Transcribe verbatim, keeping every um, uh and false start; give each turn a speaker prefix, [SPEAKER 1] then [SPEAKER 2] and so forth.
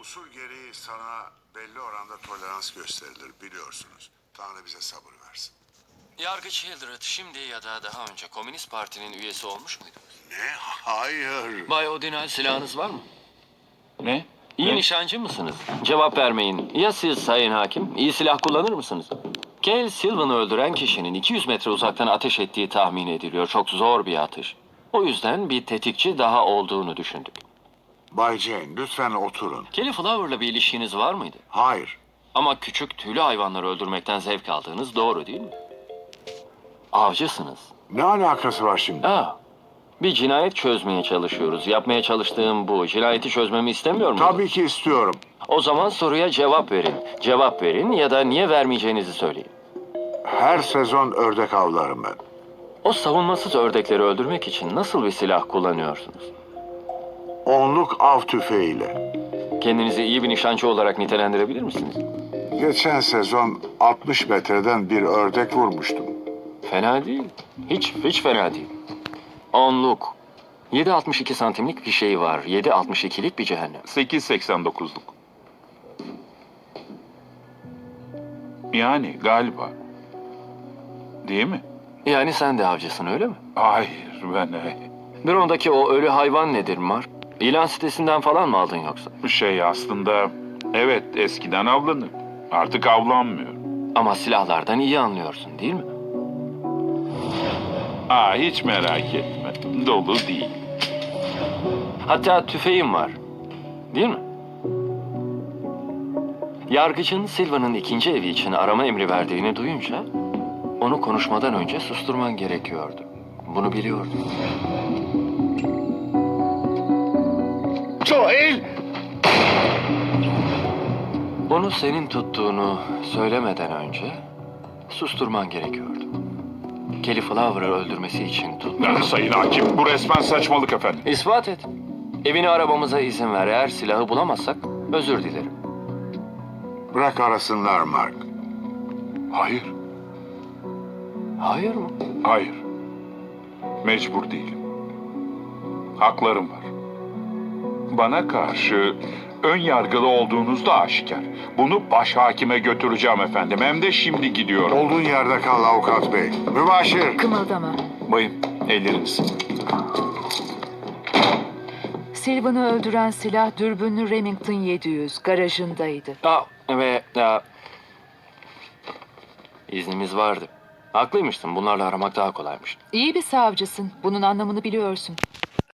[SPEAKER 1] Usul gereği sana belli oranda tolerans gösterilir biliyorsunuz. Tanrı bize sabır versin.
[SPEAKER 2] Yargıç Hildred şimdi ya da daha önce Komünist Parti'nin üyesi olmuş muydu?
[SPEAKER 1] Ne? Hayır.
[SPEAKER 2] Bay Odinal, silahınız var mı?
[SPEAKER 3] Ne?
[SPEAKER 2] İyi
[SPEAKER 3] Ne?
[SPEAKER 2] nişancı mısınız? Cevap vermeyin. Ya siz sayın hakim? İyi silah kullanır mısınız? Cale Sylvan'ı öldüren kişinin iki yüz metre uzaktan ateş ettiği tahmin ediliyor. Çok zor bir atış. O yüzden bir tetikçi daha olduğunu düşündük.
[SPEAKER 1] Bay Jane lütfen oturun.
[SPEAKER 2] Kelly Flower'la bir ilişkiniz var mıydı?
[SPEAKER 1] Hayır.
[SPEAKER 2] Ama küçük tüylü hayvanları öldürmekten zevk aldığınız doğru değil mi? Avcısınız.
[SPEAKER 1] Ne alakası var şimdi?
[SPEAKER 2] Aa, bir cinayet çözmeye çalışıyoruz. Yapmaya çalıştığım bu. Cinayeti çözmemi istemiyor musun?
[SPEAKER 1] Tabii ki istiyorum.
[SPEAKER 2] O zaman soruya cevap verin. Cevap verin ya da niye vermeyeceğinizi söyleyin.
[SPEAKER 1] Her sezon ördek avlarım ben.
[SPEAKER 2] O savunmasız ördekleri öldürmek için nasıl bir silah kullanıyorsunuz?
[SPEAKER 1] Onluk av tüfeğiyle.
[SPEAKER 2] Kendinizi iyi bir nişancı olarak nitelendirebilir misiniz?
[SPEAKER 1] Geçen sezon altmış metreden bir ördek vurmuştum.
[SPEAKER 2] Fena değil. Hiç, hiç fena değil. Onluk. yedi altmış iki santimlik bir şey var. yedi altmış ikilik bir cehennem.
[SPEAKER 3] sekiz seksen dokuzluk. Yani galiba. Değil mi?
[SPEAKER 2] Yani sen de avcısın öyle mi?
[SPEAKER 3] Hayır ben e,
[SPEAKER 2] Drone'daki o ölü hayvan nedir Mark? İlan sitesinden falan mı aldın yoksa?
[SPEAKER 3] şey aslında evet eskiden avlanır. Artık avlanmıyor.
[SPEAKER 2] Ama silahlardan iyi anlıyorsun değil mi?
[SPEAKER 3] Aa hiç merak etme. Dolu değil.
[SPEAKER 2] Hatta tüfeğim var. Değil mi? Yargıcın Silva'nın ikinci evi için arama emri verdiğini duyunca onu konuşmadan önce susturman gerekiyordu. Bunu biliyordum.
[SPEAKER 3] Joel!
[SPEAKER 2] Onu senin tuttuğunu söylemeden önce susturman gerekiyordu. Kelly Flower'ı öldürmesi için tut.
[SPEAKER 3] Sayın hakim bu resmen saçmalık efendim.
[SPEAKER 2] İspat et. Evini aramamıza izin ver. Eğer silahı bulamazsak özür dilerim.
[SPEAKER 1] Bırak arasınlar Mark.
[SPEAKER 3] Hayır,
[SPEAKER 2] Hayır mı?
[SPEAKER 3] hayır. Mecbur değilim. Haklarım var. Bana karşı ön yargılı olduğunuz da aşikar. Bunu baş hakime götüreceğim efendim. Hem de şimdi gidiyorum.
[SPEAKER 1] Olduğun yerde kal avukat bey. Mübaşir.
[SPEAKER 4] Kımıldama.
[SPEAKER 3] Bayım, elleriniz.
[SPEAKER 4] Sylvan'ı öldüren silah dürbünlü Remington yedi yüz garajındaydı.
[SPEAKER 2] Aa, ve aa, iznimiz vardı. Haklıymışsın. Bunlarla aramak daha kolaymış.
[SPEAKER 4] İyi bir savcısın. Bunun anlamını biliyorsun.